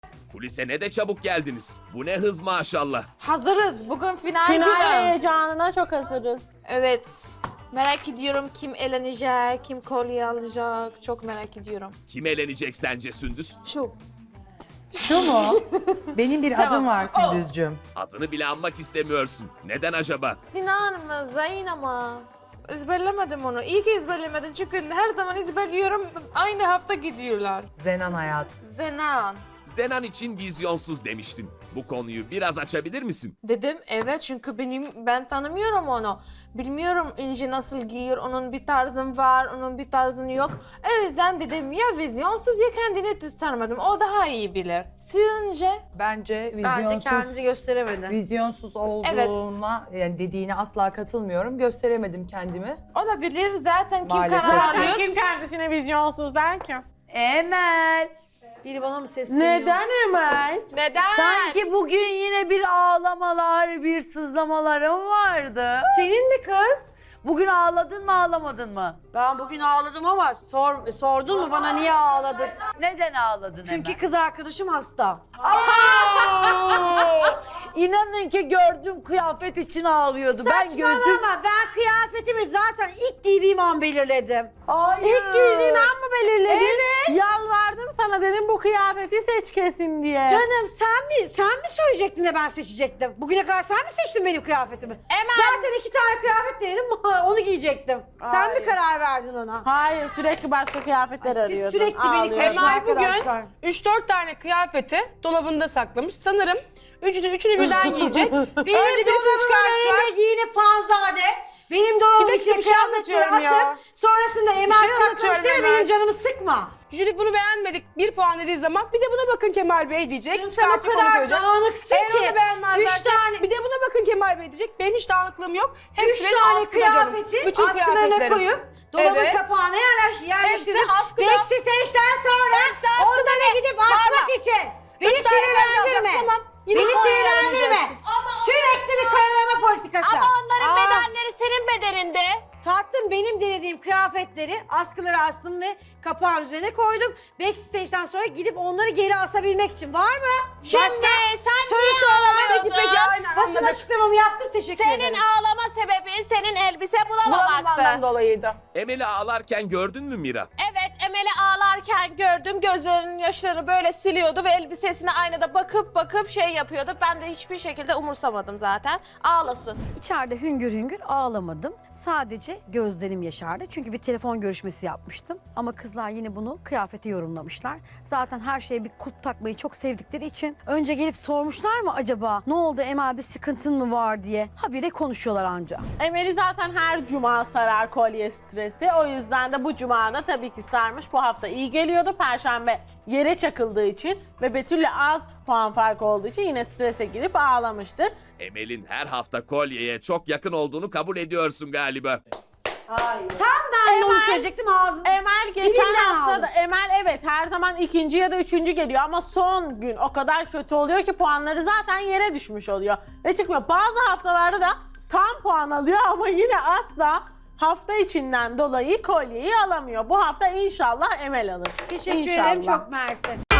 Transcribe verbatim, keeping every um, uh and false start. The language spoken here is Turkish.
Kulise ne de çabuk geldiniz. Bu ne hız maşallah. Hazırız. Bugün final, Final günü. heyecanına çok hazırız. Evet. Merak ediyorum kim elenecek, kim kolye alacak. Çok merak ediyorum. Kim elenecek sence Sündüz? Şu. Şu mu? Benim bir Tamam. adım var Sündüzcüğüm. Adını bile anmak istemiyorsun. Neden acaba? Sinan mı, Zayn mı? Ezberlemedim onu. İyi ki ezberlemedim çünkü her zaman ezberliyorum. Aynı hafta gidiyorlar. Zenan hayat. Zenan. Zenan için vizyonsuz demiştin. Bu konuyu biraz açabilir misin? Dedim evet çünkü benim ben tanımıyorum onu. Bilmiyorum İnci nasıl giyiyor, onun bir tarzın var, onun bir tarzın yok. O yüzden dedim ya vizyonsuz ya kendini göstermedim. O daha iyi bilir. Sizce? Bence Bence vizyonsuz, kendini gösteremedi. vizyonsuz olduğuna yani dediğine asla katılmıyorum. Gösteremedim kendimi. O da bilir zaten kim Maalesef. karar Zaten alıyor. kim kendisine vizyonsuz der ki? Emel. Biri bana mı sesleniyor? Neden Emel? Neden? Sanki bugün yine bir ağlamalar, bir sızlamalarım vardı. Senin mi kız? Bugün ağladın mı, ağlamadın mı? Ben bugün ağladım ama sor, sordun mu bana niye ağladın? Neden ağladın Çünkü Emel? kız arkadaşım hasta. İnanın ki gördüğüm kıyafet için ağlıyordu. Ben gözüm... Saçmalama, ben kıyafetimi zaten ilk giydiğim an belirledim. Hayır. İlk giydiğin an mı belirledin? Evet. Yalvardım sana, dedim bu kıyafeti seç kesin diye. Canım sen mi sen mi söyleyecektin de ben seçecektim? Bugüne kadar sen mi seçtin benim kıyafetimi? Emel. Zaten iki tane kıyafet denedim, onu giyecektim. Sen mi Hayır. karar verdin ona? Hayır, sürekli başka kıyafetler Siz arıyordun. sürekli beni ağlıyordun. konuşun Emel bugün arkadaşlar. üç dört tane kıyafeti dolabında saklamış. Sanırım üçünü, üçünü birden giyecek. Benim Önce birisini dolabımın çıkartacak. önünde giyinip panzade. Benim dolabımın Bir dakika, içine bir şey kıyafetleri anlatıyorum ya. atıp sonrasında Emel şey saklamış anlatıyorum diye Emel. benim canımı sıkma. Jüri bunu beğenmedik. Bir puan dediği zaman bir de buna bakın Kemal Bey diyecek. Sen o Çıkartacak, onu kadar koyacak. dağınıksın Eğer ki. onu beğenmezlerse Üç tane, bir de buna bakın Kemal Bey diyecek. Benim hiç dağınıklığım yok. üç Hepsi benim tane askıda canım. kıyafeti Bütün askılarına kıyafetlerim. koyup dolabın Evet. kapağına yerleş, yerleştirip Hepsi askıda. backstage'den sonra Hepsi askıda onlara ne? gidip asmak Bağırma. için. Beni Üç tane sinirlendirme. alacak, tamam. Yine Beni puan sinirlendirme. vermeyeceksin. Sürekli bir karalama politikası. Ama onların Aa, bedenleri senin bedeninde. Tatlım benim denediğim kıyafetleri askılara astım ve kapağın üzerine koydum. Backstage'den sonra gidip onları geri asabilmek için. Var mı? Şimdi Başka sen sorusu niye olan? Peki peki aynen Basın anladık. açıklamamı yaptım, teşekkür Senin ederim. ağlama sebebin senin elbise Bulamamaktan bulamamaktı. dolayıydı. Emel'i ağlarken gördün mü Mira? Evet, Emel'i ağlarken gördüm. Gözlerinin yaşlarını böyle siliyordu ve elbisesine aynada bakıp bakıp şey yapıyordu. Ben de hiçbir şekilde umursamadım zaten. Ağlasın. İçeride hüngür hüngür ağlamadım. Sadece gözlerim yaşardı. Çünkü bir telefon görüşmesi yapmıştım. Ama kızlar yine bunu kıyafete yorumlamışlar. Zaten her şeye bir kulp takmayı çok sevdikleri için önce gelip sormuşlar mı acaba ne oldu Emel, bir sıkıntın mı var diye. Habire konuşuyorlar anca. Emel'i zaten her cuma sarar kolye stresi. O yüzden de bu cuma da tabii ki sarmış. Bu hafta iyi geliyordu. Perşembe yere çakıldığı için ve Betül'le az puan farkı olduğu için yine strese girip ağlamıştır. Emel'in her hafta kolyeye çok yakın olduğunu kabul ediyorsun galiba. Tam ben de onu söyleyecektim ağzım. Emel geçen Birinden hafta aldım. da Emel evet her zaman ikinci ya da üçüncü geliyor ama son gün o kadar kötü oluyor ki puanları zaten yere düşmüş oluyor ve çıkmıyor. Bazı haftalarda da tam puan alıyor ama yine asla hafta içinden dolayı kolyeyi alamıyor. Bu hafta inşallah Emel alır. Teşekkür İnşallah. ederim, çok mersi.